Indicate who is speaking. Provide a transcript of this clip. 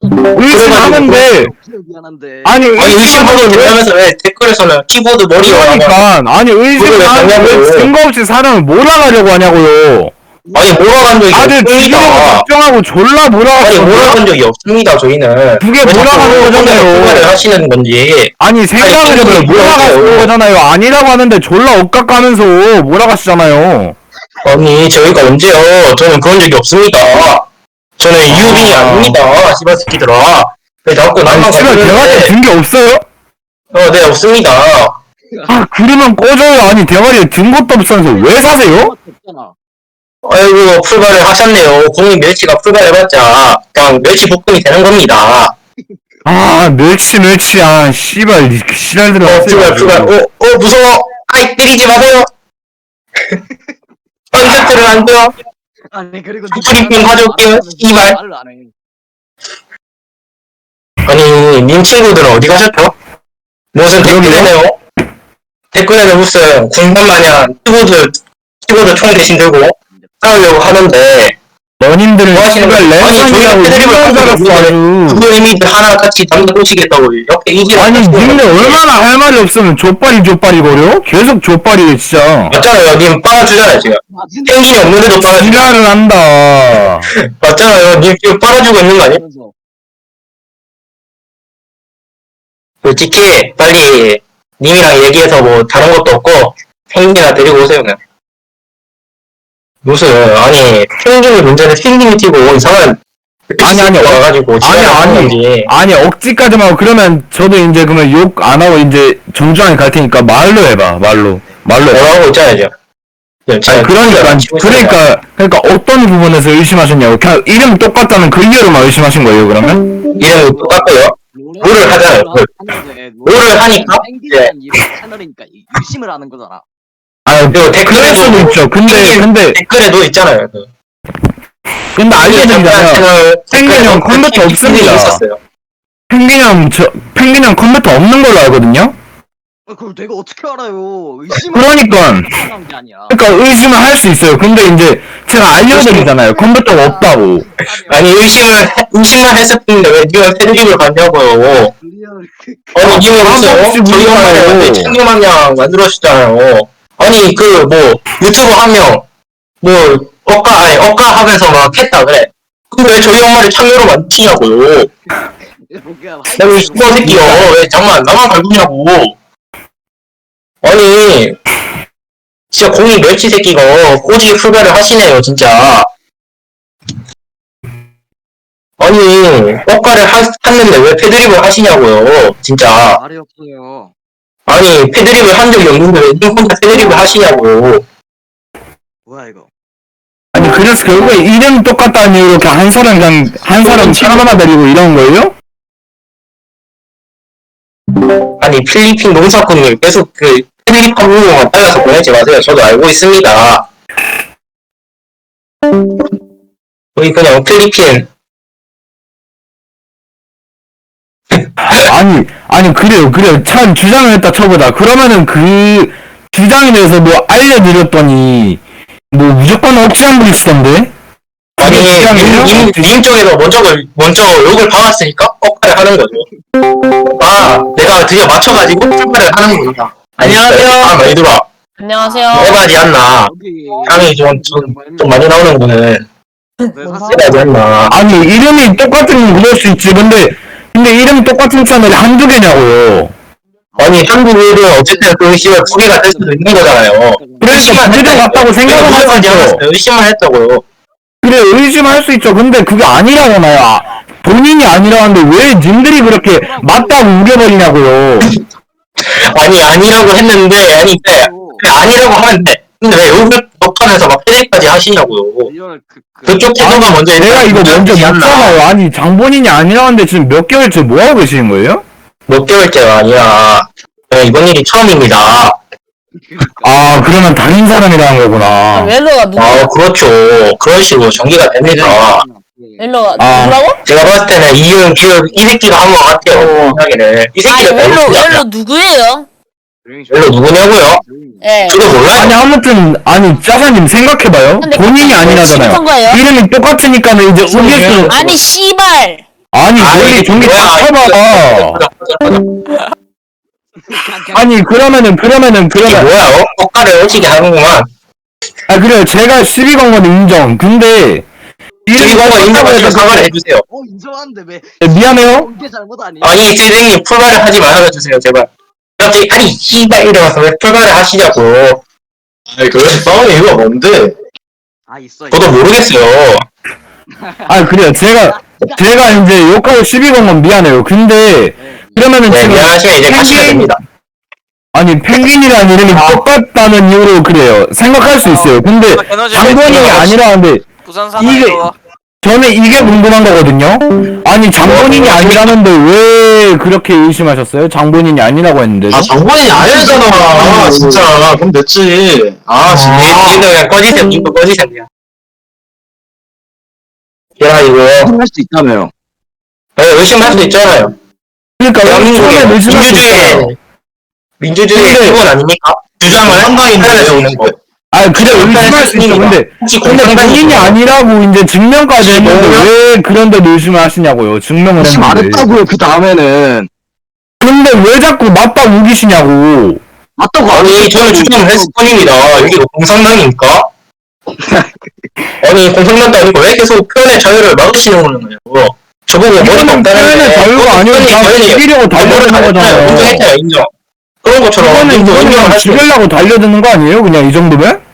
Speaker 1: 의심하는데
Speaker 2: 미안한데.
Speaker 1: 아니
Speaker 3: 의심하고 된다면서 왜 댓글에서는 키보드 머리가
Speaker 1: 그러니까 아니 의심하는데 왜 증거 없이 사람을 몰아가려고 하냐고요.
Speaker 3: 아니 몰아간 적이
Speaker 1: 다들 죽이려고
Speaker 3: 없습니다.
Speaker 1: 걱정하고 졸라
Speaker 3: 아니
Speaker 1: 몰아갔어.
Speaker 3: 몰아간 적이 없습니다. 저희는
Speaker 1: 그게 몰아가는 거잖아요.
Speaker 3: 생각을 하시는 건지.
Speaker 1: 아니 생각을 해봐요. 몰아가는 거잖아요. 아니라고 하는데 졸라 엇각가면서 몰아가시잖아요.
Speaker 3: 아니 저희가 언제요? 저는 그런 적이 없습니다. 저는 유빈이 아닙니다. 씨발 새끼들아. 왜 자꾸 나만
Speaker 1: 아니 지금 대가리 든 게 없어요?
Speaker 3: 네 없습니다.
Speaker 1: 아 그러면 꺼져요. 아니 대가리에 든 것도 없으면서 왜 사세요?
Speaker 3: 아이고 풀발을 하셨네요. 공인 멸치가 풀발해봤자 그냥 멸치 볶음이 되는 겁니다.
Speaker 1: 아 멸치 아 씨발 씨랄들어
Speaker 3: 풀발 무서워. 아이 때리지 마세요. 컨셉트를 안 돼요.
Speaker 2: 아니 그리고
Speaker 3: 프리핑 가져올게요. 이말.
Speaker 2: 말을 안 해.
Speaker 3: 아니 님 친구들은 어디 가셨죠? 무슨 댓글에네요? 댓글에는 무슨 군단 마냥 키보드 총 대신 들고 싸우려고 하는데
Speaker 1: 너님들은
Speaker 3: 뭐 하시는
Speaker 1: 씨발
Speaker 3: 거예요? 아니 저희가 패드립을
Speaker 1: 레전드라고 아주.
Speaker 3: 그거 이미 하나 같이 남겨두시겠다고 옆에 이길
Speaker 1: 아니 님네 얼마나 할 말이 없으면 족발이 계속 족발이에요 진짜.
Speaker 3: 맞잖아요. 님 빨아주잖아요 지금. 펭귄이 없는데도 빨아주고.
Speaker 1: 지랄을 한다.
Speaker 3: 맞잖아요. 님 지금 빨아주고 있는 거 아니에요? 솔직히 빨리 님이랑 얘기해서 뭐 다른 것도 없고 펭귄이나 데리고 오세요 그냥. 무슨 아니 펭귄이 문제는 펭귄이 튀고 이상한
Speaker 1: 아니
Speaker 3: 와가지고
Speaker 1: 아니 억지까지만 하고 그러면 저도 이제 그러면 욕 안 하고 이제 정중하게 갈 테니까 말로 해봐 말로 해봐.
Speaker 3: 뭐라고 있잖아요 지금.
Speaker 1: 아니 그러니까 어떤 부분에서 의심하셨냐고. 그냥 이름 똑같다는 그 이유로만 의심하신 거예요 그러면?
Speaker 3: 이름이 똑같고요. 롤을 하잖아요. 롤을 하니까
Speaker 2: 펭귄이란 이런 채널이니까 의심을 하는 거잖아.
Speaker 3: 그리고
Speaker 1: 그럴 수도 있죠. 근데
Speaker 3: 댓글에도 있잖아요.
Speaker 1: 근데 알려드리자면 펭귄 형 컴퓨터 없습니다. 펭귄 형 컴퓨터 없는 걸로 알거든요.
Speaker 2: 그걸 내가 어떻게 알아요? 의심을
Speaker 1: 그러니까
Speaker 2: 하는 게 아니야.
Speaker 1: 그러니까 의심을 할 수 있어요. 근데 이제 제가 알려드리잖아요. 컴퓨터가 없다고.
Speaker 3: 아니 의심만 했을 뿐인데 왜 니가 패드립을 받냐고요. 아니 님은 무슨 저희 엄마를 챙겨마냥 만들어주잖아요. 아니 그 뭐 유튜브 한 명 뭐 억가 하면서 막 했다 그래. 근데 왜 저희 엄마를 창녀로 만드시냐고요. 내가 이 씨발 새끼요. 왜 잠만 나만 갈구냐고. 아니 진짜 공이 멸치 새끼가 꼬지게 풀발을 하시네요 진짜. 아니 억가를 했는데 왜 패드립을 하시냐고요 진짜.
Speaker 2: 말이 없어요.
Speaker 3: 아니 패드립을 한 적이 없는데 왜 님 혼자 패드립을 하시냐고.
Speaker 2: 뭐야 이거?
Speaker 1: 아니 그래서 결국에 이름 똑같다는 이유로 그냥 한 사람 하나 데리고 이런 거예요?
Speaker 3: 아니 필리핀 농사꾼님 계속 그 패드립 한 부분만 잘라서 보내지 마세요. 저도 알고 있습니다. 거의 그냥 필리핀
Speaker 1: 아니 그래요 참 주장을 했다 쳐보자. 그러면은 그 주장에 대해서 뭐 알려드렸더니 뭐 무조건 억지한 분 있었던데?
Speaker 3: 아니 님 쪽에서 먼저 욕을 박았으니까 억가를 하는 거죠. 내가 드디어 맞춰가지고 출발을 하는 겁니다.
Speaker 4: 안녕하세요.
Speaker 3: 많이 들어와.
Speaker 4: 안녕하세요.
Speaker 3: 해바지 않나. 향이 좀 많이 나오는 거는 해바지 않나.
Speaker 1: 아니 이름이 똑같으면 그럴 수 있지. 근데 이름이 똑같은 채널이 한두 개냐고요.
Speaker 3: 아니 한국은 어쨌든 그 씨발 두 개가 될 수도 있는 거잖아요.
Speaker 1: 그래서 두개 같다고 생각은 하지 않았어요.
Speaker 3: 의심만 했다고요.
Speaker 1: 그래 의심할 수 있죠. 근데 그게 아니라잖아요. 본인이 아니라는데 왜 님들이 그렇게 맞다고 우겨버리냐고요.
Speaker 3: 아니 아니라고 했는데 아니라고 하는데 근데 왜 욕을 욕하면서 막 패대까지 하시냐고요. 그쪽 태도가 먼저
Speaker 1: 내가 이거 먼저 묻잖아요. 아니 장본인이 아니라는데 지금 몇 개월째 뭐하고 계시는 거예요?
Speaker 3: 몇 개월째가 아니라 이번 일이 처음입니다.
Speaker 1: 아 그러면 다른 사람이라는 거구나.
Speaker 4: 웰로가 누구야?
Speaker 3: 그렇죠. 그런 식으로 전개가 됩니다.
Speaker 4: 웰로가
Speaker 1: 아.
Speaker 4: 누구라고?
Speaker 3: 제가 봤을 때는 이 새끼가 한 것 같아요. 생각에는. 이
Speaker 4: 아니
Speaker 3: 새끼가
Speaker 4: 웰로 누구예요?
Speaker 3: 웰로 누구냐고요?
Speaker 4: 예.
Speaker 3: 저도 몰라요.
Speaker 1: 아니 아무튼 짜사님 생각해봐요.
Speaker 4: 근데
Speaker 1: 본인이 아니라잖아요.
Speaker 4: 심한 거예요?
Speaker 1: 이름이 똑같으니까는 이제 우길 수.
Speaker 4: 아니 씨발.
Speaker 1: 아니 논리 종기 다 쳐봐. 아니 그러면은
Speaker 3: 이게 뭐야? 억가를 오지게 하는구만.
Speaker 1: 아 그래요 제가 시비 건 건 인정. 근데
Speaker 3: 이거 인정하시면 사과를 해주세요.
Speaker 2: 인정하는데 왜
Speaker 1: 미안해요.
Speaker 2: 이게 잘못 아니야?
Speaker 3: 아니 선생님 풀발을 하지 말아주세요 제발. 갑자기 아니 씨발 이러면서 왜 풀발을 하시냐고.
Speaker 5: 아니 그래서 싸우는 이유가 뭔데?
Speaker 2: 아 있어.
Speaker 3: 저도 모르겠어요.
Speaker 1: 아 그래요 제가 이제 욕하고 시비 건 건 미안해요. 근데 그러면은
Speaker 3: 네
Speaker 1: 지금
Speaker 3: 미안하시면 이제 가시면 됩니다.
Speaker 1: 아니 펭귄이라는 이름이 똑같다는 이유로 그래요 생각할 수 있어요. 근데 장본인이 아니라는데
Speaker 6: 부산
Speaker 1: 이게
Speaker 6: 사나이도
Speaker 1: 저는 이게 궁금한 거거든요. 아니 장본인이 아니라는데 왜 그렇게 의심하셨어요? 장본인이 아니라고 했는데.
Speaker 5: 아 장본인이 아니잖아 진짜. 그럼 됐지. 아 진짜.
Speaker 3: 니도 그냥 꺼지세요. 님도 꺼지세요. 야 이거
Speaker 2: 할 수 있다며요.
Speaker 3: 네, 의심할 수도 있잖아요.
Speaker 1: 그러니까
Speaker 3: 대한민국의
Speaker 1: 처음에 의심할 수 있어요.
Speaker 3: 민주주의의 기본 아닙니까? 주장을
Speaker 5: 한강인데
Speaker 3: 적는 거.
Speaker 1: 아 그래 의심할 수 있어. 근데
Speaker 3: 혹시
Speaker 1: 본인이
Speaker 3: 공산당이
Speaker 1: 아니라고 이제 증명까지 했는데 왜 그런데 의심을 하시냐고요. 증명을
Speaker 2: 의심 안
Speaker 1: 했는데.
Speaker 2: 했다고요. 그 다음에는
Speaker 1: 근데 왜 자꾸 맞다 우기시냐고.
Speaker 2: 맞다고
Speaker 3: 아니 저는 주장을 했을 뿐입니다. 여기가 공산당입니까? 아니 공산당도 아니고 왜 계속 표현의 자유를 막으시는 거예요? 저보고 머리가
Speaker 1: 이거는
Speaker 3: 없다는데
Speaker 1: 표현의 자유가 아니고 그냥 죽이려고 달려드는 거잖아요.
Speaker 3: 인정했잖아요 인정. 그런 것처럼
Speaker 1: 이거는
Speaker 3: 인정을
Speaker 1: 그냥
Speaker 3: 하시고
Speaker 1: 죽이려고 달려드는 거 아니에요? 그냥 이 정도면?